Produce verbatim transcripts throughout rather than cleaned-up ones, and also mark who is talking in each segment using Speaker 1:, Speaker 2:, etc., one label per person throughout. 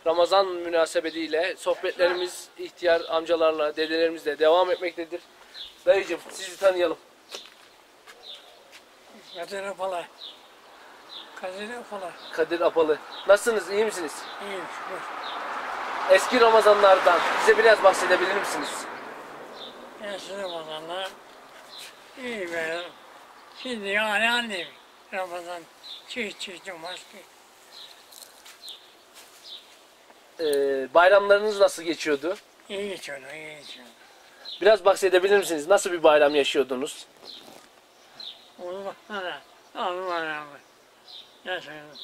Speaker 1: Ramazan münasebetiyle sohbetlerimiz ihtiyar amcalarla, dedelerimizle devam etmektedir. Dayıcım sizi tanıyalım.
Speaker 2: Kadir Apalı. Kadir Apalı.
Speaker 1: Kadir Apalı. Nasılsınız? İyi misiniz?
Speaker 2: İyiyim şükür.
Speaker 1: Eski Ramazanlardan bize biraz bahsedebilir misiniz?
Speaker 2: Eski Ramazanlar iyi be. Şimdi yani annem Ramazan çiğ çiğ maske.
Speaker 1: Ee, bayramlarınız nasıl geçiyordu?
Speaker 2: İyi geçiyordu, iyi geçiyordu.
Speaker 1: Biraz bahsedebilir misiniz? Nasıl bir bayram yaşıyordunuz?
Speaker 2: Onu baksana. Abi var abi. Yaşıyordum.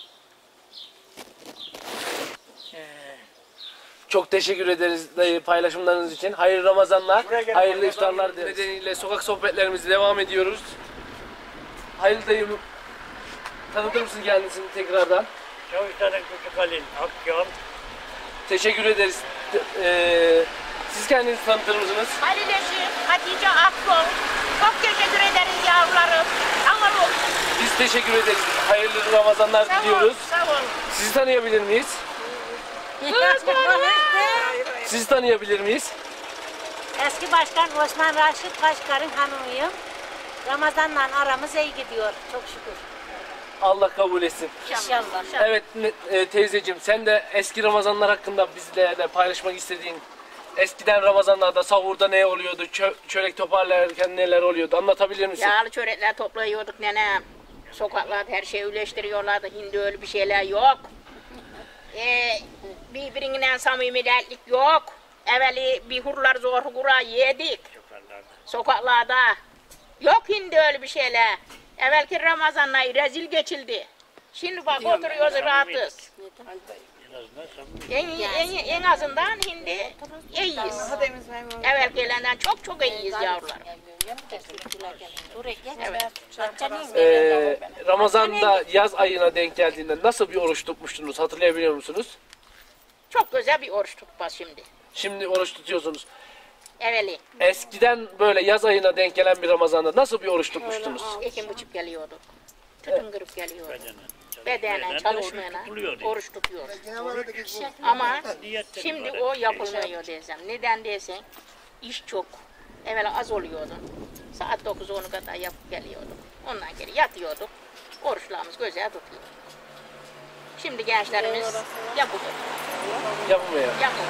Speaker 2: Ee,
Speaker 1: Çok teşekkür ederiz dayı paylaşımlarınız için. Hayırlı Ramazanlar, hayırlı iftarlar nedeniyle sokak sohbetlerimize devam ediyoruz. Hayırlı dayım, tanıtır mısın kendisini tekrardan?
Speaker 2: Çavuşların Küçük Halil Akgöl.
Speaker 1: Teşekkür ederiz. Ee, siz kendinizi tanıtır mısınız?
Speaker 3: Halil Eşim, Hatice Akkol. Çok teşekkür ederiz yavrularım. Sağ olun.
Speaker 1: Biz teşekkür ederiz. Hayırlı Ramazanlar
Speaker 3: Sağ
Speaker 1: diliyoruz.
Speaker 3: olun. Sağ olun.
Speaker 1: Sizi tanıyabilir miyiz? Sizi tanıyabilir miyiz?
Speaker 4: Eski Başkan Osman Raşit Başkan'ın hanımıyım. Ramazan'la aramız iyi gidiyor çok şükür.
Speaker 1: Allah kabul etsin.
Speaker 4: İnşallah.
Speaker 1: Evet e, teyzeciğim, sen de eski Ramazanlar hakkında bizlerle paylaşmak istediğin, eskiden Ramazanlarda sahurda ne oluyordu, çö çörek toparlarken neler oluyordu, anlatabilir misin?
Speaker 3: Yağlı çörekler toplayıyorduk nenem. Sokaklarda her şeyi üleştiriyorlardı. Şimdi öyle bir şeyler yok. Ee, birbirinden samimiyetlik yok. Evveli bir hurlar zor hura yedik. Sokaklarda. Yok şimdi öyle bir şeyler. Evvelki Ramazanlar rezil geçildi. Şimdi bak oturuyoruz rahatız. En, en, en azından şimdi iyiyiz. Evvelkilerden çok çok iyiyiz yavrular.
Speaker 1: Ee, Ramazan'da yaz ayına denk geldiğinde nasıl bir oruç tutmuştunuz, hatırlayabiliyor musunuz?
Speaker 3: Çok güzel bir oruç tutmaz şimdi.
Speaker 1: Şimdi oruç tutuyorsunuz.
Speaker 3: Evveli
Speaker 1: Eskiden böyle yaz ayına denk gelen bir Ramazan'da nasıl bir oruç tutmuştunuz?
Speaker 3: ekim buçuk geliyorduk. Tütün kırıp geliyorduk. Bedenen çalışmayana oruç tutuyoruz. Ama şimdi o yapılmıyor desem. Neden desen iş çok. Evvela az oluyordu. Saat dokuz onu kadar yapıp geliyorduk. Ondan geri yatıyorduk. Oruçlarımız güzel tutuyor. Şimdi gençlerimiz yapıyor.
Speaker 1: Yapmıyor.
Speaker 3: Yapıyor.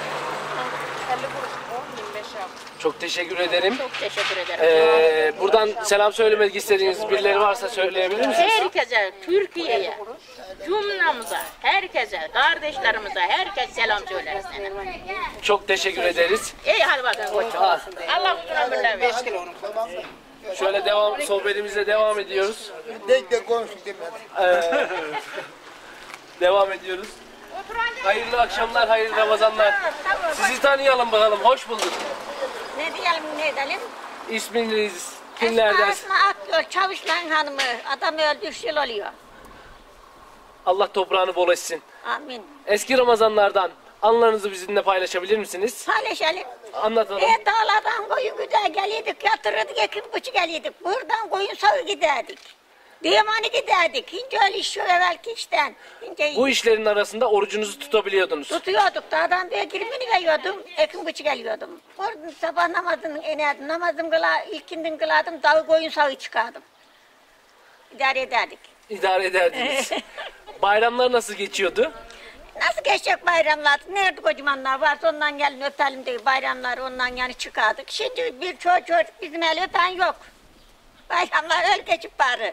Speaker 1: Çok teşekkür ederim.
Speaker 3: Çok teşekkür ederim.
Speaker 1: Ee, buradan selam söylemek istediğiniz birileri varsa söyleyebilir misiniz?
Speaker 3: Herkese, Türkiye'ye, cümlemize, herkese, kardeşlerimize, herkes selam söyleriz.
Speaker 1: Çok teşekkür ederiz.
Speaker 3: İyi hadi bakalım koçum. Allah uzun ömürler versin.
Speaker 1: Şöyle devam, sohbetimize devam ediyoruz. Ee, devam ediyoruz. Hayırlı akşamlar, hayırlı Ramazanlar. Sizi tanıyalım bakalım, hoş bulduk.
Speaker 4: Ne diyelim ne edelim?
Speaker 1: İsminiz, kimlerden?
Speaker 4: Esma Akgöl Çavuşların hanımı. Adam öldü üç yıl oluyor.
Speaker 1: Allah toprağını bol etsin.
Speaker 4: Amin.
Speaker 1: Eski Ramazanlardan anılarınızı bizimle paylaşabilir misiniz?
Speaker 4: Paylaşalım.
Speaker 1: Anlatalım.
Speaker 4: E dağlardan koyun güder geliydik, yatırırdık, ekip buçuk geliydik. Buradan koyun sağı giderdik. Diyemani giderdik. Hince öyle iş yok evvelki işten. Hince
Speaker 1: Bu işlerin arasında orucunuzu tutabiliyordunuz.
Speaker 4: tutuyorduk. Dağdan bir girmeni veriyordum, ekim buçuk geliyordum. Oradan sabah namazını inerdim, namazımı kıla, ilkinden kılardım, dağı koyun sağı çıkardım. İdare ederdik.
Speaker 1: İdare ederdiniz. Bayramlar nasıl geçiyordu?
Speaker 4: Nasıl geçecek bayramlar? Nerede kocamanlar varsa ondan gelin öpelim diye bayramlar ondan yani çıkardık. Şimdi bir çocuk çocuk bizim el öpen yok. Bayramlar öyle geçip bari.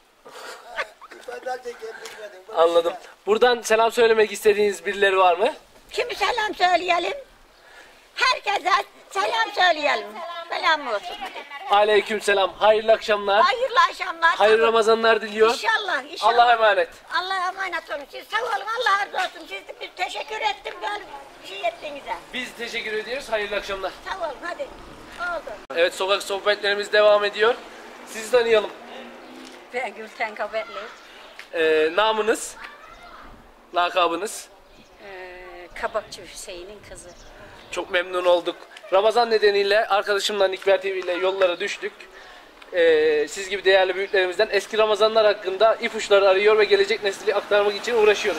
Speaker 1: Anladım. Buradan selam söylemek istediğiniz birileri var mı?
Speaker 4: Kimi selam söyleyelim? Herkese selam söyleyelim. Selam olsun.
Speaker 1: Aleyküm selam. Hayırlı akşamlar.
Speaker 4: Hayırlı akşamlar.
Speaker 1: Hayırlı Ramazanlar diliyor.
Speaker 4: İnşallah, inşallah.
Speaker 1: Allah'a emanet.
Speaker 4: Allah'a emanet olun. Siz sağ olun. Allah razı olsun. Siz de bir teşekkür ettim böyle bir şey ettiğinize.
Speaker 1: Biz teşekkür ediyoruz. Hayırlı akşamlar.
Speaker 4: Sağ olun. Hadi. Oldu.
Speaker 1: Evet, sokak sohbetlerimiz devam ediyor. Sizi tanıyalım.
Speaker 4: Ben Gülten Kabetli.
Speaker 1: Ee, namınız, lakabınız.
Speaker 4: Ee, Kabakçı Hüseyin'in kızı.
Speaker 1: Çok memnun olduk. Ramazan nedeniyle arkadaşımla Nikber T V ile yollara düştük. Ee, siz gibi değerli büyüklerimizden eski Ramazanlar hakkında ipuçları arıyor ve gelecek nesli aktarmak için uğraşıyoruz.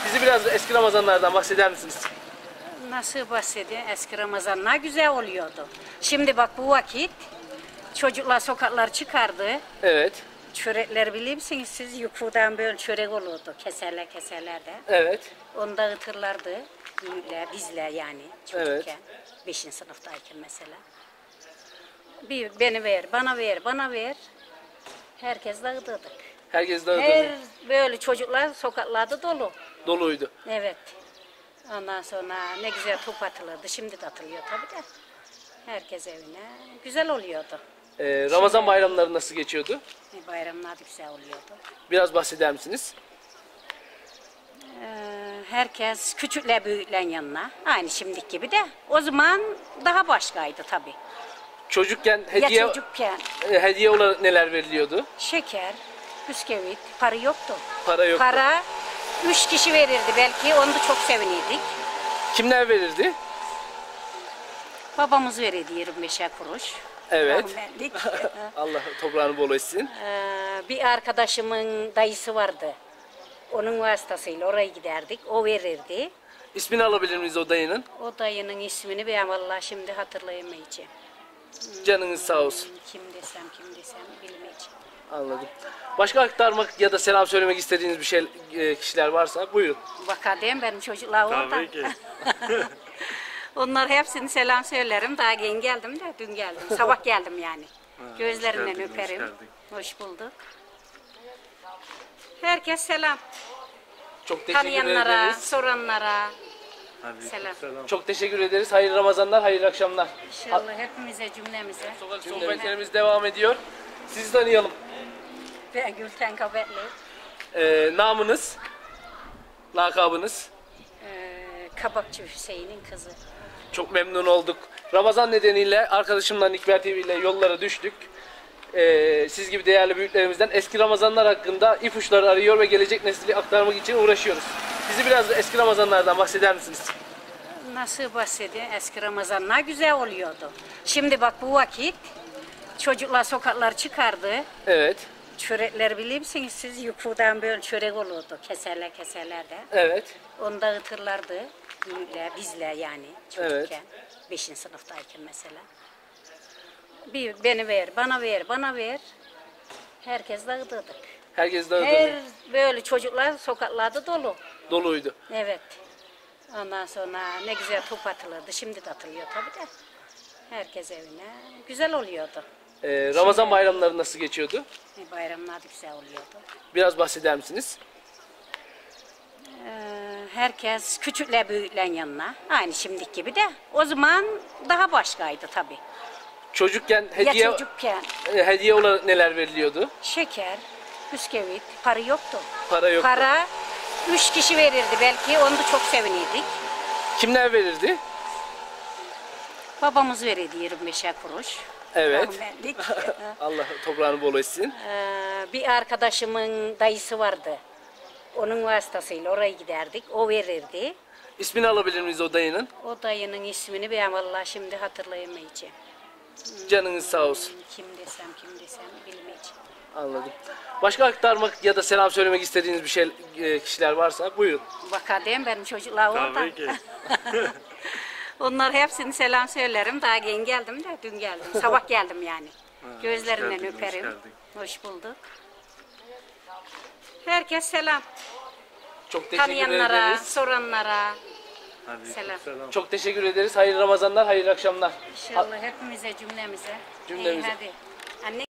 Speaker 1: Bizi biraz eski Ramazanlardan bahseder misiniz?
Speaker 5: Nasıl bahsedeyim? Eski Ramazanlar güzel oluyordu. Şimdi bak bu vakit çocuklar sokaklar çıkardı.
Speaker 1: Evet.
Speaker 5: Çörekler bilir misiniz siz? Yukarıdan böyle çörek olurdu. Keserler keserler de.
Speaker 1: Evet.
Speaker 5: Onu dağıtırlardı. Büyükler, bizler yani çocukken.
Speaker 1: Evet.
Speaker 5: Beşinci sınıftayken mesela. Bir beni ver, bana ver, bana ver. Herkes dağıtırdık.
Speaker 1: Herkes dağıtırdı.
Speaker 5: Her böyle çocuklar sokaklarda dolu.
Speaker 1: Doluydu.
Speaker 5: Evet. Ondan sonra ne güzel top atılırdı. Şimdi de atılıyor tabii de. Herkes evine. Güzel oluyordu.
Speaker 1: Ee, Ramazan bayramları nasıl geçiyordu?
Speaker 5: E, Bayramlar da güzel oluyordu.
Speaker 1: Biraz bahseder misiniz?
Speaker 5: Ee, herkes küçükler büyüklerin yanına. Aynı şimdiki gibi de. O zaman daha başkaydı tabii.
Speaker 1: Çocukken hediye
Speaker 5: Ya çocukken
Speaker 1: e, hediye olarak neler veriliyordu?
Speaker 5: şeker, bisküvit, para yoktu.
Speaker 1: Para yoktu.
Speaker 5: Para üç kişi verirdi belki. Onu da çok sevinirdik.
Speaker 1: Kimler verirdi?
Speaker 5: Babamız verirdi yirmi beşer kuruş.
Speaker 1: Evet.
Speaker 5: Rahmetlik.
Speaker 1: Allah toprağını bol etsin.
Speaker 5: Ee, bir arkadaşımın dayısı vardı. Onun vasıtasıyla oraya giderdik. O verirdi.
Speaker 1: İsmini alabilir miyiz o dayının?
Speaker 5: O dayının ismini ben vallahi şimdi hatırlayamayacağım.
Speaker 1: Canınız sağ olsun.
Speaker 5: Kim desem kim desem bilmeyeceğim.
Speaker 1: Anladım. Başka aktarmak ya da selam söylemek istediğiniz bir şey e, kişiler varsa buyurun.
Speaker 5: Bakadem benim çocuklar orada.
Speaker 2: Tabii ki.
Speaker 5: Onlar hepsini selam söylerim. Daha yeni geldim de dün geldim. Sabah geldim yani. Gözlerinden
Speaker 2: geldin, hoş
Speaker 5: öperim.
Speaker 2: geldin.
Speaker 5: Hoş bulduk. Herkes selam.
Speaker 1: Çok teşekkür
Speaker 5: Tanıyanlara,
Speaker 1: ederiz.
Speaker 5: soranlara
Speaker 2: Hadi
Speaker 5: selam.
Speaker 2: selam.
Speaker 1: Çok teşekkür ederiz. Hayırlı Ramazanlar, hayırlı akşamlar.
Speaker 5: İnşallah hepimize, cümlemize.
Speaker 1: Sokak sohbetlerimiz devam ediyor. Sizi tanıyalım.
Speaker 5: Ben Gülten Kabetli.
Speaker 1: Ee, namınız, lakabınız.
Speaker 5: Ee, Kabakçı Hüseyin'in kızı.
Speaker 1: Çok memnun olduk. Ramazan nedeniyle arkadaşımla Nikber T V ile yollara düştük. Ee, siz gibi değerli büyüklerimizden eski Ramazanlar hakkında ipuçları arıyor ve gelecek nesli aktarmak için uğraşıyoruz. Bizi biraz da eski Ramazanlardan bahseder misiniz?
Speaker 5: Nasıl bahsedeyim? Eski Ramazanlar güzel oluyordu. Şimdi bak bu vakit çocuklar sokaklar çıkardı.
Speaker 1: Evet,
Speaker 5: Çörekler bilir misiniz siz? Yukarıdan böyle çörek olurdu. Keserler keserler de.
Speaker 1: evet,
Speaker 5: Onu dağıtırlardı. Büyükler, bizler yani çocukken. Beşinci sınıftayken mesela. Bir beni ver, bana ver, bana ver. Herkes dağıtırdık.
Speaker 1: herkes dağıtıldı.
Speaker 5: Her böyle çocuklar sokaklarda dolu.
Speaker 1: Doluydu.
Speaker 5: Evet. Ondan sonra ne güzel top atılırdı. Şimdi de atılıyor tabii de. Herkes evine. Güzel oluyordu.
Speaker 1: Ee, Ramazan bayramları nasıl geçiyordu?
Speaker 5: E, Bayramlar da güzel oluyordu.
Speaker 1: Biraz bahseder misiniz?
Speaker 5: Ee, herkes küçükler büyüklerin yanına. Aynı şimdiki gibi de. O zaman daha başkaydı tabii.
Speaker 1: Çocukken hediye
Speaker 5: Ya çocukken
Speaker 1: e, hediye olarak neler veriliyordu?
Speaker 5: şeker, bisküvit, para yoktu.
Speaker 1: Para yoktu.
Speaker 5: Para üç kişi verirdi belki. Onu da çok sevinirdik.
Speaker 1: Kimler verirdi?
Speaker 5: Babamız verirdi yirmi beşer kuruş.
Speaker 1: Evet.
Speaker 5: Rahmetlik.
Speaker 1: Allah toprağını bol etsin.
Speaker 5: Ee, bir arkadaşımın dayısı vardı. Onun vasıtasıyla oraya giderdik. O verirdi.
Speaker 1: İsmini alabilir miyiz o dayının?
Speaker 5: O dayının ismini ben vallahi şimdi hatırlayamayacağım.
Speaker 1: Canınız sağ olsun.
Speaker 5: Kim desem kim desem bilmeyeceğim.
Speaker 1: Anladım. Başka aktarmak ya da selam söylemek istediğiniz bir şey e, kişiler varsa buyurun.
Speaker 5: Bakadem benim çocuklar orada.
Speaker 2: Tabii ki.
Speaker 5: Onlar hepsini selam söylerim. Daha yeni geldim de dün geldim. Sabah geldim yani. Gözlerinden
Speaker 2: geldin, hoş
Speaker 5: öperim.
Speaker 2: geldin.
Speaker 5: Hoş bulduk. Herkes selam.
Speaker 1: Çok teşekkür
Speaker 5: Tanıyanlara,
Speaker 1: ederiz.
Speaker 5: soranlara
Speaker 2: Hadi
Speaker 5: selam.
Speaker 2: selam.
Speaker 1: Çok teşekkür ederiz. Hayırlı Ramazanlar, hayırlı akşamlar.
Speaker 5: İnşallah hepimize, cümlemize.
Speaker 1: Cümlemize.
Speaker 5: İyi, hadi. Anne